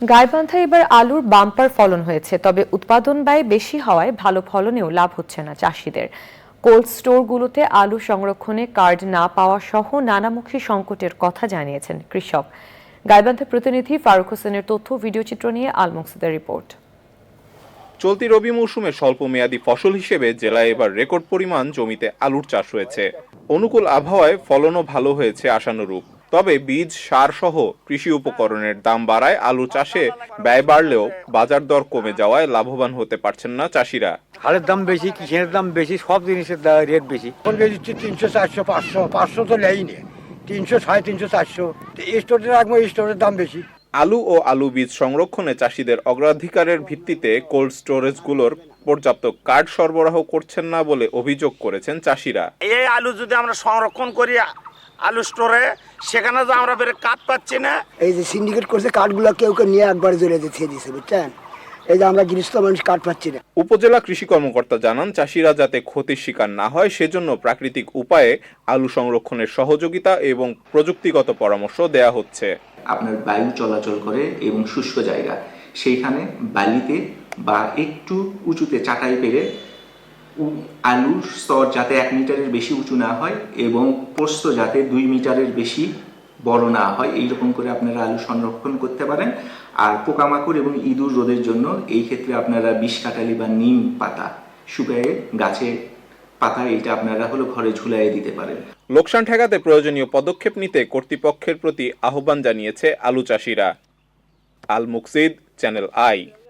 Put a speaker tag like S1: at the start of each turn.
S1: গাইবান্ধায় এবার আলুর বাম্পার ফলন হয়েছে, তবে উৎপাদন ব্যয় বেশি হওয়ায় ভালো ফলনেও লাভ হচ্ছে না চাষিদের। কোল্ড স্টোরগুলোতে আলু সংরক্ষণে কার্ড না পাওয়া সহ নানামুখী সংকটের কথা জানিয়েছেন কৃষক। গাইবান্ধা প্রতিনিধি ফারুক হোসেনের তথ্য ভিডিওচিত্র নিয়ে আল মুকসিদের রিপোর্ট।
S2: চলতি রবি মৌসুমে স্বল্প মেয়াদী ফসল হিসেবে জেলায় এবার রেকর্ড পরিমাণ জমিতে আলুর চাষ হয়েছে। অনুকূল আবহাওয়ায় ফলনও ভালো হয়েছে আশানুরূপ। তবে বীজ, সার সহ কৃষি উপকরণের দাম বাড়ায় আলু চাষে ব্যয় বাড়লেও বাজার দর কমে যাওয়ায় লাভবান হতে পারছেন না চাষিরা।
S3: হালের দাম বেশি, কিসের দাম বেশি, সব জিনিসের রেট বেশি।
S4: এখন বেশি 300, 400, 500 তো নেই, 300, 350, 400। স্টোরে রাখবো, স্টোরের দাম বেশি।
S2: আলু ও আলু বীজ সংরক্ষণে চাষিদের অগ্রাধিকারের ভিত্তিতে কোল্ড স্টোরেজগুলোর পর্যাপ্ত কার্ড সরবরাহ করছেন না বলে অভিযোগ করেছেন চাষিরা।
S5: এই আলু যদি আমরা সংরক্ষণ করি আলু স্টোরে, সেখানে তো আমরা বের কাঠ পাচ্ছি না।
S4: এই যে সিন্ডিকেট করছে, কাঠগুলো কেউ কেউ নিয়ে একবার জ্বলে দিচ্ছে, বুঝছেন? এই যে আমরা গৃহস্থ মানুষ কাঠ পাচ্ছি না।
S2: উপজেলা কৃষি কর্মকর্তা জানান, চাষিরা যাতে ক্ষতির শিকার না হয় সেজন্য প্রাকৃতিক উপায়ে আলু সংরক্ষণের সহযোগিতা এবং প্রযুক্তিগত পরামর্শ দেয়া হচ্ছে।
S6: আপনার বায়ু চলাচল করে এবং শুষ্ক জায়গা, সেইখানে বালিতে বা একটু উঁচুতে চাটাই পেরে আলুর স্তর যাতে 1 মিটারের বেশি উঁচু না হয় এবং প্রস্থ যাতে 2 মিটারের বেশি বড় না হয়, এইরকম করে আপনারা আলু সংরক্ষণ করতে পারেন। আর পোকামাকড় এবং ইঁদুর রোধের জন্য এই ক্ষেত্রে আপনারা বিষকাটালি বা নিম পাতা শুকায়ে গাছে পাতা, এটা আপনারা ঘরে ঝুলাইয়ে দিতে পারেন।
S2: লোকসান ঠেকাতে প্রয়োজনীয় পদক্ষেপ নিতে কর্তৃপক্ষের প্রতি আহ্বান জানিয়েছে আলু চাষিরা। Al Muksid, channel I.